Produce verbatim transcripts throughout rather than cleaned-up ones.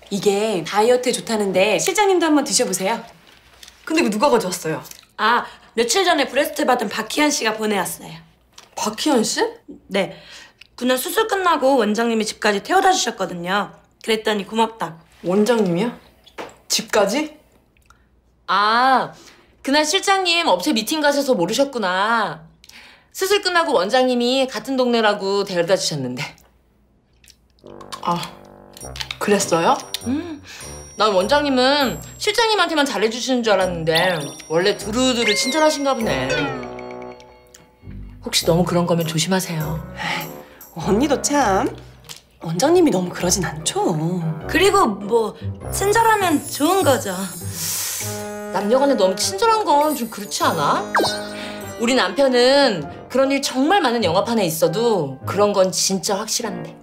이게 다이어트에 좋다는데 실장님도 한번 드셔보세요. 근데 이거 누가 가져왔어요? 아, 며칠 전에 브레스트 받은 박희연 씨가 보내왔어요. 박희연 씨? 네. 그날 수술 끝나고 원장님이 집까지 태워다 주셨거든요. 그랬더니 고맙다고. 원장님이요? 집까지? 아, 그날 실장님 업체 미팅 가셔서 모르셨구나. 수술 끝나고 원장님이 같은 동네라고 데려다 주셨는데. 아, 그랬어요? 음, 난 원장님은 실장님한테만 잘해주시는 줄 알았는데 원래 두루두루 친절하신가 보네. 혹시 너무 그런 거면 조심하세요. 언니도 참 원장님이 너무 그러진 않죠. 그리고 뭐 친절하면 좋은 거죠. 남녀간에 너무 친절한 건 좀 그렇지 않아? 우리 남편은 그런 일 정말 많은 영화판에 있어도 그런 건 진짜 확실한데.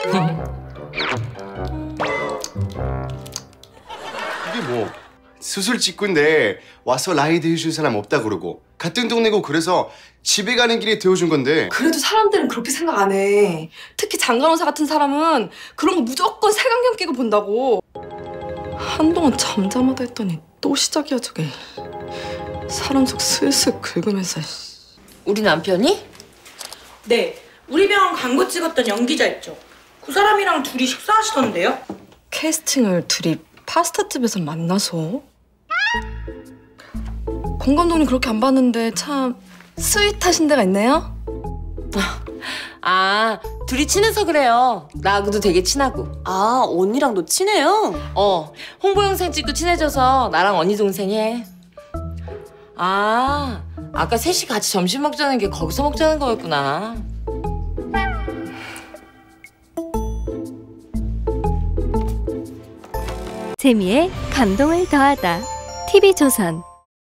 이게 뭐 수술 직후인데 와서 라이드 해줄 사람 없다 그러고 같은 동네고 그래서 집에 가는 길에 태워준 건데. 그래도 사람들은 그렇게 생각 안 해. 특히 장간호사 같은 사람은 그런 거 무조건 색안경 끼고 본다고. 한동안 잠잠하다 했더니 또 시작이야 저게. 사람 속 슬슬 긁으면서. 우리 남편이? 네. 우리 병원 광고 찍었던 연기자 있죠? 그 사람이랑 둘이 식사하시던데요? 캐스팅을 둘이 파스타집에서 만나서? 권 감독님 그렇게 안 봤는데 참 스윗하신 데가 있네요? 아, 둘이 친해서 그래요. 나하고도 되게 친하고. 아, 언니랑도 친해요? 어, 홍보 영상 찍고 친해져서 나랑 언니 동생 해. 아, 아까 셋이 같이 점심 먹자는 게 거기서 먹자는 거였구나. 재미에 감동을 더하다. 티비조선